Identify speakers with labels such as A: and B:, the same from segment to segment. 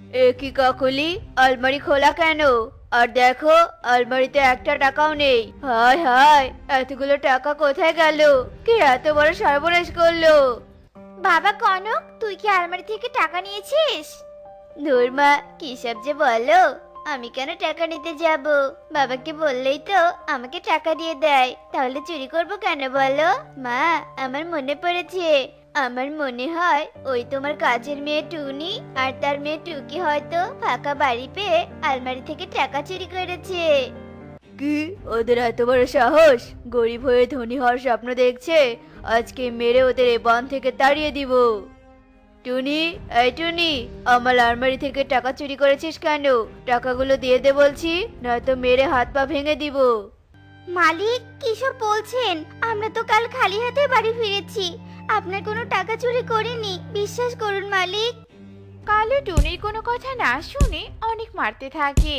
A: এ কি কাকলি, আলমারি খোলা কেন? আর দেখো, আলমারিতে একটা টাকাও নেই। হায় হায়, এতগুলো টাকা কোথায় গেল? কে এত বড় সর্বনাশ করলো?
B: বাবা কনক, তুই কি আলমারি থেকে টাকা নিয়েছিস?
A: ধুর মা, কি সব যে বলো। আমি কেন টাকা নিতে যাব? বাবাকে বললেই তো আমাকে টাকা দিয়ে দেয়, তাহলে চুরি করব কেন বলো? মা, আমার মনে পড়েছে। আমার মনে হয় ওই তোমার কাজের মেয়ে টুনি আর তার মেয়ে টুকি হয়তো ফাঁকা বাড়ি পেয়ে আলমারি থেকে টাকা চুরি করেছে। কি, ওদের এত বড় সাহস? গরিব হয়ে ধনী হওয়ার স্বপ্ন দেখছে। আজকে মেরে ওদের এ বন থেকে তাড়িয়ে দিব। টুনি, এই টুনি, আমার আলমারি থেকে টাকা চুরি করেছিস কেন? টাকাগুলো দিয়ে দে বলছি, নয়তো মেরে হাত পা ভেঙে দিব।
B: মালিক, কিসব বলছেন? আমরা তো কাল খালি হাতে বাড়ি ফিরেছি। আপনার কোনো টাকা চুরি করিনি, বিশ্বাস করুন মালিক।
C: কালু টুনির কোনো কথা না শুনে অনেক মারতে থাকে।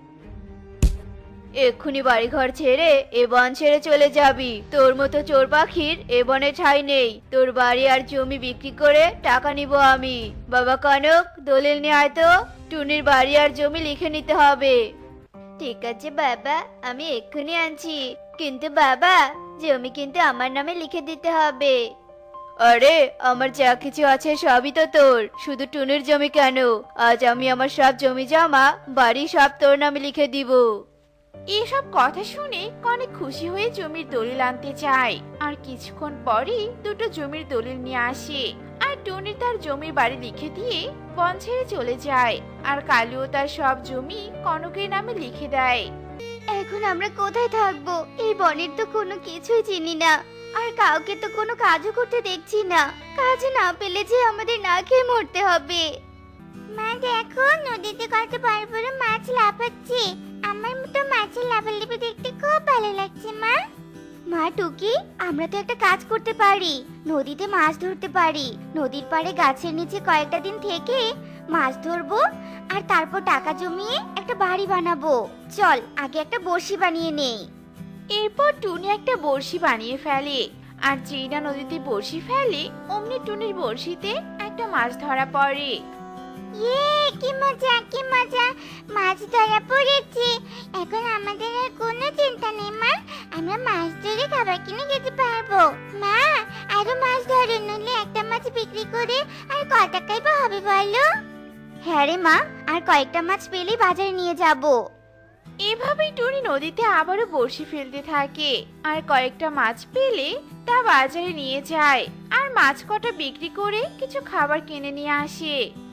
A: এক্ষুনি বাড়িঘর ছেড়ে এ বন ছেড়ে চলে যাবি। তোর মতো চোর পাখির এ বনে ঠাঁই নেই। তোর বাড়ি আর জমি বিক্রি করে টাকা নিব আমি। বাবা কনক, দলিল নিয়ে আয় তো। টুনির বাড়ি আর জমি লিখে নিতে হবে। ঠিক আছে বাবা, আমি এক্ষুনি আনছি। কিন্তু বাবা, জমি কিন্তু আমার নামে লিখে দিতে হবে। আরে, আমার যা কিছু আছে সবই তো তোর, শুধু টুনির জমি কেন? আজ আমি আমার সব জমি জমা বাড়ি সব তোর নামে লিখে দিব।
C: এসব কথা শুনে অনেক খুশি হয়ে জমির দলিল আনতে চায়। আর কিছুক্ষণ পরই দুটো জমির দলিল নিয়ে আসে। আর টুনি তার জমির বাড়ি লিখে দিয়ে বন ছেড়ে চলে যায়। আর কালুও তার সব জমি কনকের নামে লিখে দেয়।
B: এখন আমরা কোথায় থাকবো? এই বনের তো কোনো কিছুই চিনি না, আর কাউকে তো কোনো কাজও করতে দেখছি না। কাজ না পেলে যে আমাদের না খেয়ে মরতে হবে। মা দেখো, নদীতে কত বড় বড় মাছ লাফাচ্ছে। আমার তো মাছের লাফালাফি দেখতে খুব ভালো লাগছে মা। মা টুকি, আমরা তো একটা কাজ করতে পারি। নদীতে মাছ ধরতে পারি। নদীর পাড়ে গাছের নিচে কয়েকটা দিন থেকে মাছ ধরবো, আর তারপর টাকা জমিয়ে একটা বাড়ি বানাবো। চল, আগে একটা বড়শি বানিয়ে নেই।
C: এরপর টুনি একটা বড়শি বানিয়ে ফেলে। আর যেই না নদীতে বড়শি ফেলে, অমনি টুনির বড়শিতে একটা মাছ ধরা পড়ে।
B: ইয়ে, কি মজা কি মজা! মাছ ধরা পড়েছে। এখন আমাদের আর কোনো চিন্তা নেই মা। আমরা মাছ ধরে খাবার কিনে খেতে পারবো। মা, আরো মাছ ধরো, নইলে একটা মাছ বিক্রি করে আর কয় টাকাই বা হবে বলো? হ্যাঁ রে মা, আর কয়েকটা মাছ পেলে বাজারে নিয়ে যাবো।
C: এভাবেই টুনি নদীতে আবারও বড়শি ফেলতে থাকে। আর কয়েকটা মাছ পেলে তা বাজারে নিয়ে যায়। আর মাছ কটা বিক্রি করে কিছু খাবার কিনে নিয়ে আসে।